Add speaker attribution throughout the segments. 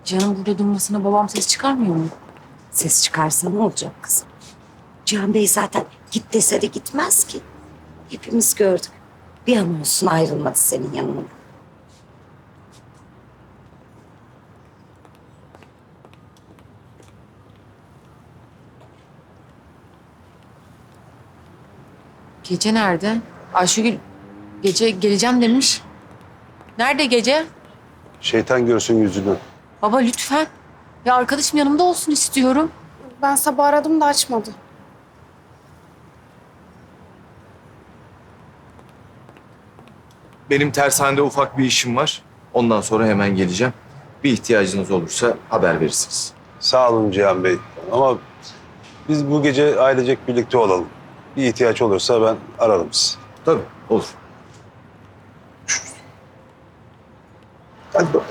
Speaker 1: Canım burada durmasına babam ses çıkarmıyor mu?
Speaker 2: Ses çıkarsa ne olacak kızım? Cihan Bey zaten git dese de gitmez ki. Hepimiz gördük. Bir an olsun ayrılmadı senin yanından.
Speaker 1: Gece nerede? Ayşegül gece geleceğim demiş. Nerede gece?
Speaker 3: Şeytan görsün yüzünü.
Speaker 1: Baba lütfen. Ya arkadaşım yanımda olsun istiyorum.
Speaker 4: Ben sabah aradım da açmadı.
Speaker 5: Benim tersanede ufak bir işim var. Ondan sonra hemen geleceğim. Bir ihtiyacınız olursa haber verirsiniz.
Speaker 3: Sağ olun Cihan Bey. Ama biz bu gece ailecek birlikte olalım. Bir ihtiyaç olursa ben ararım sizi.
Speaker 5: Tabii, olur.
Speaker 3: Hadi bakalım.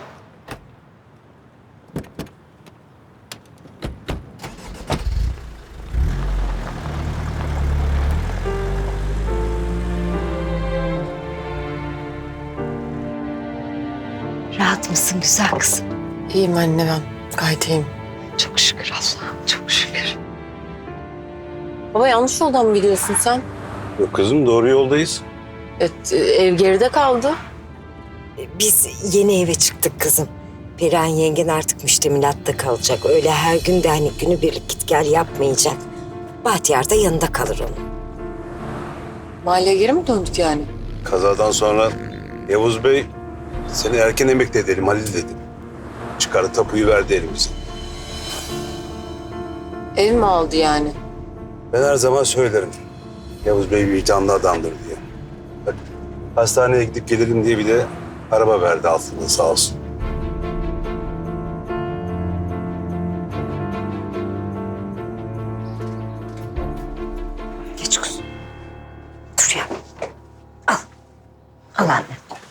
Speaker 2: Rahat mısın güzel kızım?
Speaker 1: İyiyim anne ben. Gayet iyiyim.
Speaker 2: Çok şükür Allah'ım, çok şükür.
Speaker 1: Baba yanlış yoldan mı gidiyorsun sen?
Speaker 3: Yok kızım, doğru yoldayız.
Speaker 1: Evet, ev geride kaldı.
Speaker 2: Biz yeni eve çıktık kızım. Perihan yengen artık müştemilatta kalacak. Öyle her gün de hani günübirlik git gel yapmayacak. Bahtiyar da yanında kalır onun.
Speaker 1: Mahalleye geri mi döndük yani?
Speaker 3: Kazadan sonra Yavuz Bey seni erken emekli edelim Halil dedi. Çıkarı tapuyu verdi elimize.
Speaker 1: Ev mi aldı yani?
Speaker 3: Ben her zaman söylerim. Yavuz Bey vicdanlı adamdır diye. Bak, hastaneye gidip gelelim diye bir de araba verdi altında sağ olsun.
Speaker 2: Geç kuzum. Dur ya. Al. Al anne.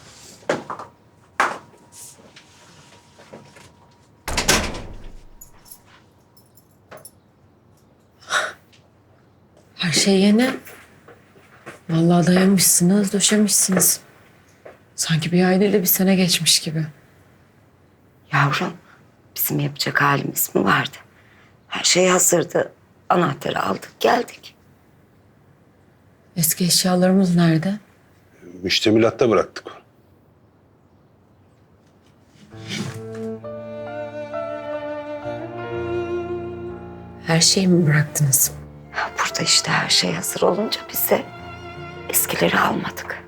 Speaker 1: Her şey yeni. Vallahi dayanmışsınız, döşemişsiniz. Sanki bir ay değil de bir sene geçmiş gibi.
Speaker 2: Yavrum, bizim yapacak halimiz mi vardı? Her şey hazırdı. Anahtarı aldık, geldik.
Speaker 1: Eski eşyalarımız nerede?
Speaker 3: Müştemilatta bıraktık.
Speaker 1: Her şeyi mi bıraktınız?
Speaker 2: Burada işte her şey hazır olunca biz de eskileri almadık.